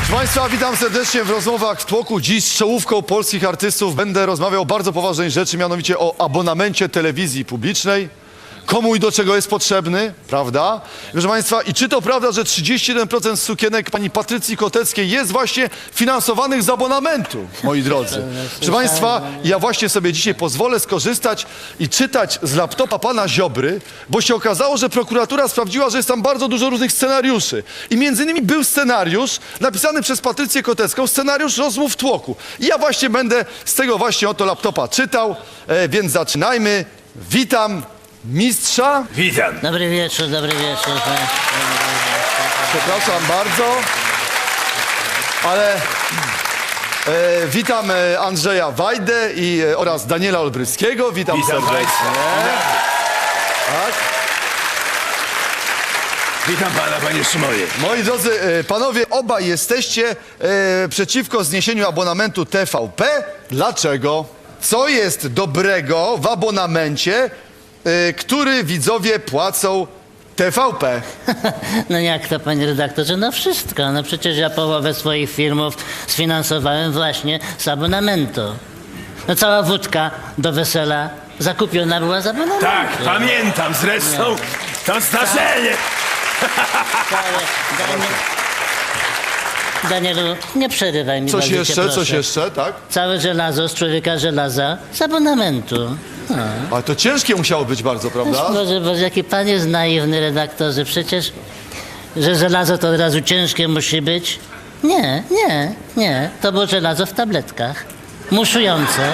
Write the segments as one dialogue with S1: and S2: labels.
S1: Proszę Państwa, witam serdecznie w rozmowach w tłoku. Dziś z czołówką polskich artystów będę rozmawiał o bardzo poważnej rzeczy, mianowicie o abonamencie telewizji publicznej. Komu i do czego jest potrzebny, prawda? Proszę Państwa, i czy to prawda, że 31% sukienek pani Patrycji Koteckiej jest właśnie finansowanych z abonamentu, moi drodzy? Proszę Państwa, ja właśnie sobie dzisiaj pozwolę skorzystać i czytać z laptopa pana Ziobry, bo się okazało, że prokuratura sprawdziła, że jest tam bardzo dużo różnych scenariuszy. I między innymi był scenariusz napisany przez Patrycję Kotecką, scenariusz rozmów w tłoku. I ja właśnie będę z tego właśnie oto laptopa czytał, więc zaczynajmy. Witam mistrza.
S2: Witam.
S3: Dobry wieczór, dobry wieczór.
S1: Przepraszam bardzo, ale witam Andrzeja Wajdę oraz Daniela Olbryskiego. Witam serdecznie.
S2: Państwa.
S1: Tak.
S2: Witam pana, panie Szymonie.
S1: Moi drodzy panowie, obaj jesteście przeciwko zniesieniu abonamentu TVP. Dlaczego? Co jest dobrego w abonamencie, który widzowie płacą TVP?
S3: No jak to, panie redaktorze? No wszystko. No przecież ja połowę swoich filmów sfinansowałem właśnie z abonamentu. No cała wódka do wesela zakupiona była z abonamentu.
S2: Tak, pamiętam zresztą to zdarzenie.
S3: Danielu, nie przerywaj mi.
S1: Coś
S3: bardzo cię
S1: jeszcze,
S3: proszę.
S1: coś jeszcze, tak?
S3: Całe żelazo z człowieka żelaza z abonamentu.
S1: Ale to ciężkie musiało być bardzo, prawda?
S3: Boże, jaki pan jest naiwny, redaktorze. Przecież, że żelazo to od razu ciężkie musi być. Nie. To było żelazo w tabletkach. Muszujące.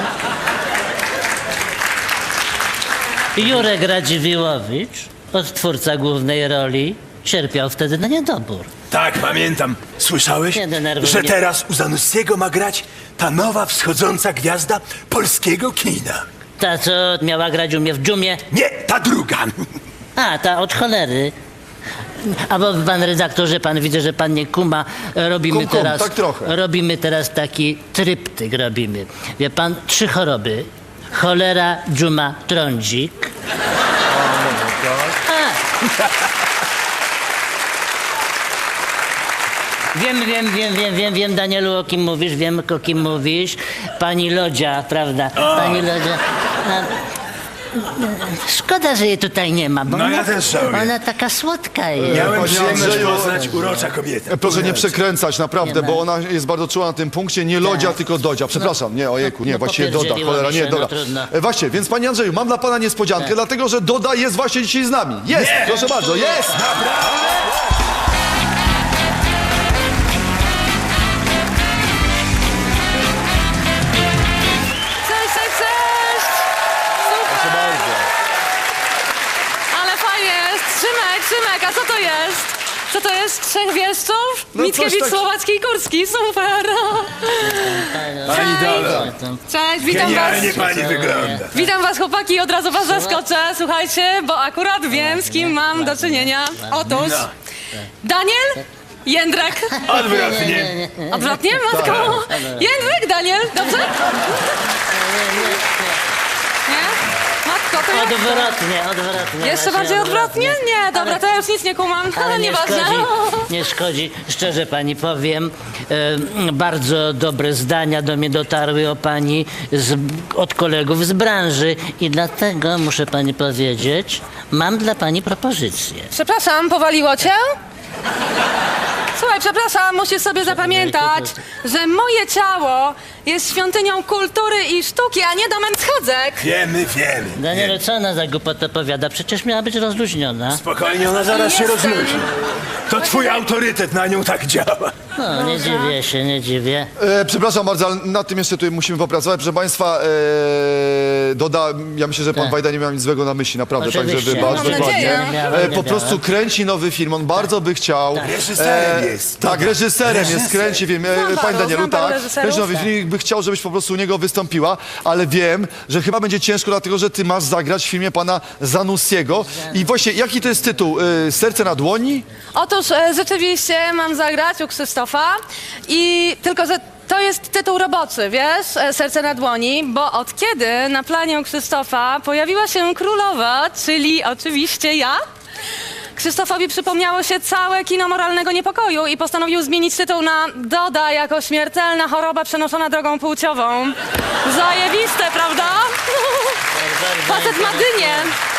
S3: Jurek Radziwiłowicz, odtwórca głównej roli, cierpiał wtedy na niedobór.
S2: Tak, pamiętam. Słyszałeś,
S3: Nie denerwuj
S2: że
S3: mnie.
S2: teraz u Zanussiego ma grać ta nowa wschodząca gwiazda polskiego kina?
S3: Ta, co miała grać u mnie w dżumie.
S2: Nie, ta druga.
S3: A, ta od cholery. A bo pan redaktorze, pan widzę, że pan nie kuma. Robimy
S1: Kum,
S3: teraz.
S1: tak trochę.
S3: Robimy teraz taki tryptyk robimy. Wie pan, 3 choroby. Cholera, dżuma, trądzik. Wiem, Danielu, o kim mówisz, wiem, o kim mówisz. Pani Lodzia, prawda? Pani Lodzia. Szkoda, że jej tutaj nie ma, bo
S2: No
S3: ona,
S2: ja też żałuję.
S3: ona taka słodka jest.
S2: Miałem
S1: Panie
S2: przyjemność
S1: Andrzeju,
S2: poznać urocza kobietę.
S1: Proszę nie przekręcać, naprawdę,
S3: Nie
S1: bo
S3: ma.
S1: ona jest bardzo czuła na tym punkcie. Nie Lodzia, tylko Dodzia. Przepraszam, nie, ojejku, nie,
S3: no
S1: właściwie Doda,
S3: popierdzieliło
S1: cholera,
S3: mi się,
S1: nie, Doda.
S3: no trudno.
S1: Właśnie, więc panie Andrzeju, mam dla pana niespodziankę, dlatego że Doda jest właśnie dzisiaj z nami. Jest,
S2: Nie.
S1: proszę bardzo, jest!
S4: Cześć!
S1: Proszę
S4: Super!
S1: bardzo.
S4: Ale fajnie jest! Szymek, a co to jest? Co to jest? 3 wieszczów?
S1: No
S4: Mickiewicz,
S1: coś tak-
S4: Słowacki i Kurski, super!
S2: Pani Dola,
S4: Cześć, witam was!
S2: genialnie pani wygląda.
S4: Witam was chłopaki, od razu was zaskoczę, słuchajcie, bo akurat wiem, z kim mam do czynienia. Otóż,
S2: No.
S4: Daniel, Jędrek.
S2: Odwrotnie.
S4: Odwrotnie, matko? Jędrek, Daniel, dobrze? Nie? Matko, to jak to?
S3: Odwrotnie.
S4: Jeszcze bardziej odwrotnie? Nie, dobra, to ja już nic nie kumam, ale nieważne.
S3: Nie szkodzi. Szczerze pani powiem, bardzo dobre zdania do mnie dotarły o pani od kolegów z branży i dlatego muszę pani powiedzieć, mam dla pani propozycję.
S4: Przepraszam, powaliło cię? Słuchaj, przepraszam, musisz sobie zapamiętać, że moje ciało jest świątynią kultury i sztuki, a nie domem schodzek.
S2: Wiemy.
S3: Danielu, co ona za głupotę powiada? Przecież miała być rozluźniona.
S2: Spokojnie, ona zaraz się
S4: Jestem.
S2: rozluźni. To twój autorytet na nią tak działa.
S3: No, nie dziwię się, nie dziwię.
S1: Przepraszam bardzo, ale nad tym jeszcze tutaj musimy popracować. Proszę państwa, Doda, ja myślę, że pan
S3: Tak.
S1: Wajda nie miał nic złego na myśli, naprawdę,
S3: Oczywiście.
S1: także wybacz,
S4: Mam
S1: dokładnie.
S4: nadzieję.
S3: Nie miałem.
S1: Po prostu kręci nowy film, on bardzo by chciał.
S2: Reżyserem jest.
S1: Tak, reżyserem jest, kręci film.
S4: Znam
S1: Panie Danielu,
S4: znam paru
S1: tak,
S4: reżyserów.
S1: kręci nowy film, by chciał, żebyś po prostu u niego wystąpiła, ale wiem, że chyba będzie ciężko, dlatego, że ty masz zagrać w filmie pana Zanussiego. I właśnie, jaki to jest tytuł? Serce na dłoni?
S4: Otóż rzeczywiście mam zagrać u Krzysztofa i tylko, że to jest tytuł roboczy, wiesz, Serce na dłoni, bo od kiedy na planie u Krzysztofa pojawiła się królowa, czyli oczywiście ja, Krzysztofowi przypomniało się całe kino moralnego niepokoju i postanowił zmienić tytuł na Doda jako śmiertelna choroba przenoszona drogą płciową. Zajebiste, prawda? Facet ma dynię.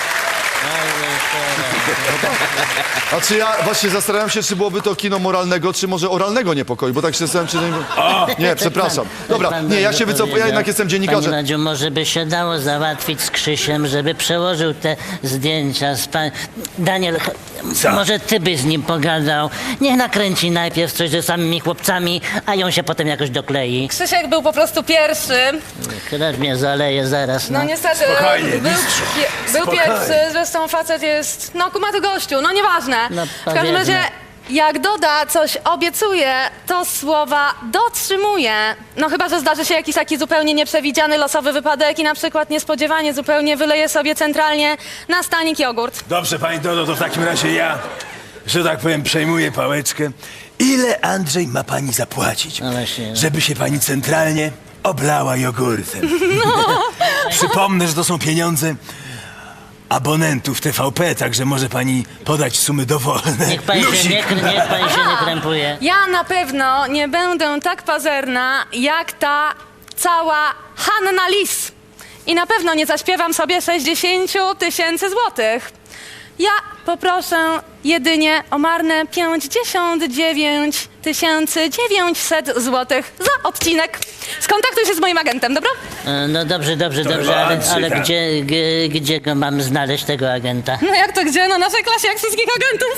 S1: A czy ja właśnie zastanawiam się, czy byłoby to kino moralnego, czy może oralnego niepokoju, bo tak się zastanawiam, czy... Nie, przepraszam. Dobra, nie, ja się wycofuję, ja jednak jestem
S3: Panie
S1: dziennikarzem.
S3: Radziu, może by się dało załatwić z Krzysiem, żeby przełożył te zdjęcia z pan... Daniel,
S2: Co?
S3: może ty byś z nim pogadał. Niech nakręci najpierw coś ze samymi chłopcami, a ją się potem jakoś doklei.
S4: Krzysiek był po prostu pierwszy.
S3: Krew mnie zaleje zaraz,
S4: No
S3: no.
S4: niestety,
S2: Spokojnie,
S4: był,
S2: mistrzu.
S4: był
S2: Spokojnie.
S4: pierwszy, zresztą facet jest, no kumaty gościu, no nieważne.
S3: No,
S4: W każdym
S3: powiedzmy.
S4: razie, jak Doda coś obiecuje, to słowa dotrzymuje. No chyba, że zdarzy się jakiś taki zupełnie nieprzewidziany losowy wypadek i na przykład niespodziewanie zupełnie wyleje sobie centralnie na stanik jogurt.
S2: Dobrze, pani Dodo, to w takim razie ja, że tak powiem, przejmuję pałeczkę. Ile, Andrzej, ma pani zapłacić,
S3: No właśnie.
S2: żeby się pani centralnie oblała jogurtem? Przypomnę, że to są pieniądze abonentów TVP, także może pani podać sumy dowolne.
S3: Niech pani się
S2: Lusik.
S3: niech pani się nie krępuje.
S4: Ja na pewno nie będę tak pazerna, jak ta cała Hanna Lis. I na pewno nie zaśpiewam sobie 60 000 złotych. Ja poproszę jedynie o marne 59 900 złotych za odcinek. Skontaktuj się z moim agentem, dobra?
S3: No dobrze,
S2: chyba
S3: ale
S2: Andrzej,
S3: gdzie go mam znaleźć, tego agenta?
S4: No jak to gdzie? Na naszej klasie jak wszystkich agentów.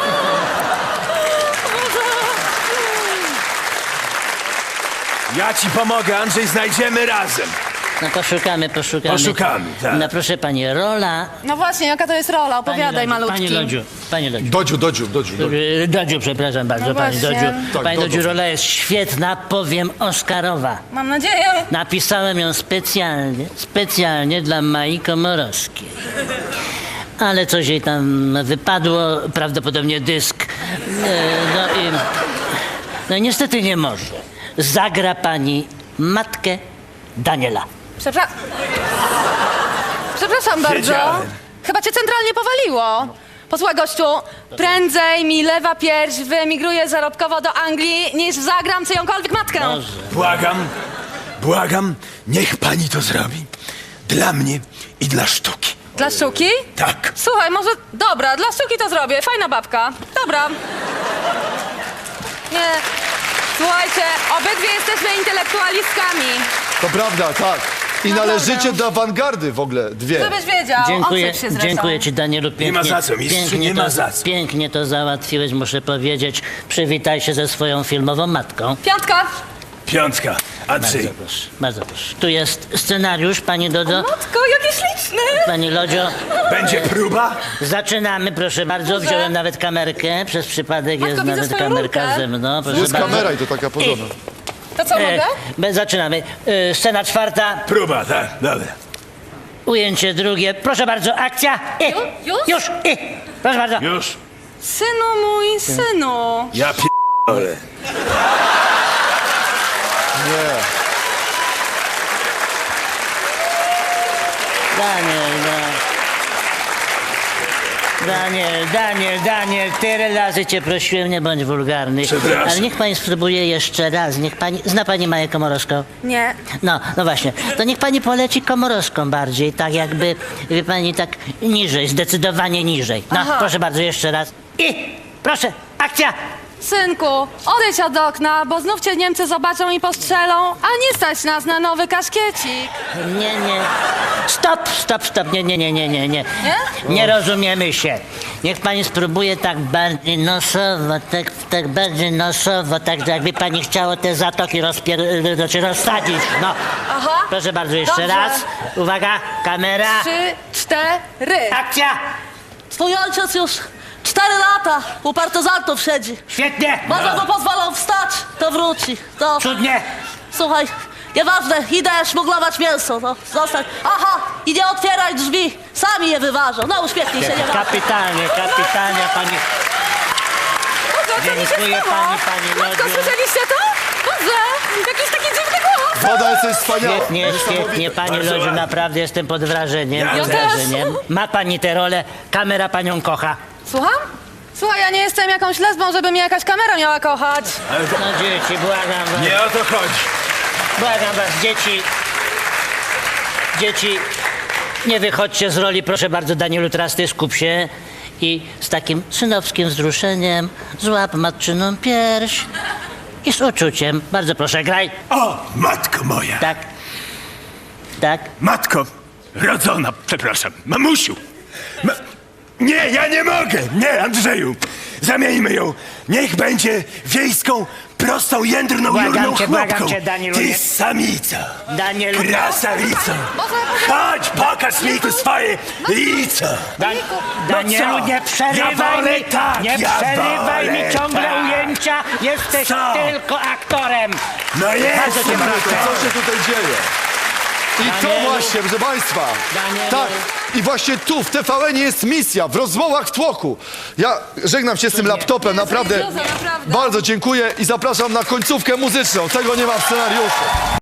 S2: Ja ci pomogę, Andrzej, znajdziemy razem.
S3: No poszukamy.
S2: Poszukamy, tak.
S3: No proszę pani, rola...
S4: No właśnie, jaka to jest rola? Opowiadaj, malutki.
S3: Pani Lodziu.
S1: Dodziu.
S3: Dodziu, przepraszam bardzo,
S4: No
S3: pani
S4: właśnie.
S3: Dodziu.
S1: Tak,
S3: Pani
S1: Dodo.
S3: Dodziu, rola jest świetna, powiem Oscarowa.
S4: Mam nadzieję.
S3: Napisałem ją specjalnie dla Mai Komorowskiej. Ale coś jej tam wypadło, prawdopodobnie dysk. No i niestety nie może. Zagra pani matkę Daniela.
S4: Przepraszam bardzo.
S2: Wiedziałem.
S4: Chyba cię centralnie powaliło. Posłuchaj, gościu, prędzej mi lewa pierś wyemigruje zarobkowo do Anglii, niż zagram czyjąkolwiek matkę.
S2: Błagam, niech pani to zrobi. Dla mnie i dla sztuki.
S4: Dla sztuki?
S2: Tak.
S4: Słuchaj, może... Dobra, dla sztuki to zrobię. Fajna babka. Dobra. Nie. Słuchajcie, obydwie jesteśmy intelektualistkami.
S1: To prawda, tak. I
S4: No
S1: należycie
S4: dobra.
S1: do awangardy w ogóle, dwie.
S4: Żebyś wiedział.
S3: Dziękuję,
S4: Odsyp się zresztą.
S3: dziękuję ci, Danielu, pięknie.
S2: ma za co, mistrzu, nie ma za co.
S3: Pięknie to załatwiłeś, muszę powiedzieć. Przywitaj się ze swoją filmową matką.
S4: Piątka.
S2: Piątka. Andrzej.
S3: Bardzo proszę. Tu jest scenariusz, pani Dodo.
S4: Matko, jaki śliczny.
S3: Pani Lodzio,
S2: Będzie próba?
S3: zaczynamy, proszę bardzo.
S4: Dobrze.
S3: Wziąłem nawet kamerkę, przez przypadek
S4: Matko,
S3: jest
S4: widzę
S3: nawet
S4: swoją
S3: kamerka
S4: rurkę.
S3: ze mną. Proszę
S1: Jest
S3: bardzo.
S1: kamera i to taka porządna.
S4: To co, mogę?
S3: Zaczynamy. Scena czwarta,
S2: Próba, tak. Dobra.
S3: ujęcie drugie. Proszę bardzo, akcja.
S4: Już?
S3: Już. Proszę bardzo.
S2: Już.
S4: Synu mój, synu.
S2: Ja p***ole.
S1: Nie.
S3: Daniel, tyle razy cię prosiłem, nie bądź wulgarny.
S2: Przepraszam.
S3: Ale niech pani spróbuje jeszcze raz, niech pani... Zna pani Maję Komorowską?
S4: Nie.
S3: No właśnie. To niech pani poleci Komorowską bardziej, tak jakby, wie pani, tak niżej, zdecydowanie niżej. No,
S4: Aha.
S3: proszę bardzo, jeszcze raz. I proszę, akcja!
S4: Synku, odejdź od okna, bo znów cię Niemcy zobaczą i postrzelą, a nie stać nas na nowy kaszkiecik.
S3: Nie. Stop. Nie. Nie rozumiemy się. Niech pani spróbuje tak bardziej nosowo, tak bardziej nosowo, tak jakby pani chciała te zatoki rozsadzić. No.
S4: Aha.
S3: Proszę bardzo, jeszcze
S4: Dobrze.
S3: raz. Uwaga, kamera.
S4: 3, 4.
S3: Akcja!
S5: Twój ojciec już 4 lata u partyzantów siedzi.
S3: Świetnie!
S5: Może mu pozwolą wstać, to wróci. To,
S3: Cudnie!
S5: słuchaj, nieważne, idę szmuglować mięso, no, zostań. Aha, i nie otwieraj drzwi, sami je wyważą. No, uśmiechnij się, nie ma.
S3: Kapitalnie, pani. Dziękuję pani
S4: Matko,
S3: Lodziu.
S4: słyszeliście to? Boże, jakiś taki dziwny głos.
S1: Woda jesteś wspaniała.
S3: Świetnie, pani
S2: Bardzo
S3: Lodziu,
S2: ładnie.
S3: naprawdę jestem pod wrażeniem.
S2: Ja
S3: Pod
S2: też.
S3: wrażeniem. Ma pani tę rolę, kamera panią kocha.
S4: Słucham? Słuchaj, ja nie jestem jakąś lesbą, żeby mnie jakaś kamera miała kochać.
S3: No dzieci, błagam was.
S2: Nie o to chodzi.
S3: Błagam was, dzieci. Dzieci, nie wychodźcie z roli, proszę bardzo, Danielu Trasty, skup się. I z takim synowskim wzruszeniem złap matczyną pierś i z uczuciem. Bardzo proszę, graj.
S2: O, matko moja.
S3: Tak. Tak.
S2: Matko, rodzona, przepraszam, mamusiu. Nie, ja nie mogę. Nie, Andrzeju. Zamieńmy ją. Niech będzie wiejską, prostą, jędrną, jurną
S3: Błagam
S2: chłopką.
S3: cię, Danielu,
S2: Ty
S3: nie-
S2: samica.
S3: Danielu.
S2: Krasawico. Chodź, pokaż mi tu swoje lico.
S3: Danielu,
S2: co?
S3: nie przerywaj
S2: Ja wolę
S3: mi,
S2: tak,
S3: nie
S2: ja
S3: przerywaj
S2: wolę
S3: mi ciągle
S2: tak.
S3: ujęcia. Jesteś
S2: Co?
S3: tylko aktorem.
S2: No jest.
S3: Bardzo cię proszę.
S1: Co się tutaj dzieje? I to
S3: Danielu.
S1: właśnie, proszę państwa.
S3: Danielu.
S1: Tak, i właśnie tu, w TVN jest misja, w rozmowach w tłoku. Ja żegnam się z tym laptopem, naprawdę.
S4: Naprawdę.
S1: Bardzo dziękuję i zapraszam na końcówkę muzyczną. Tego nie ma w scenariuszu.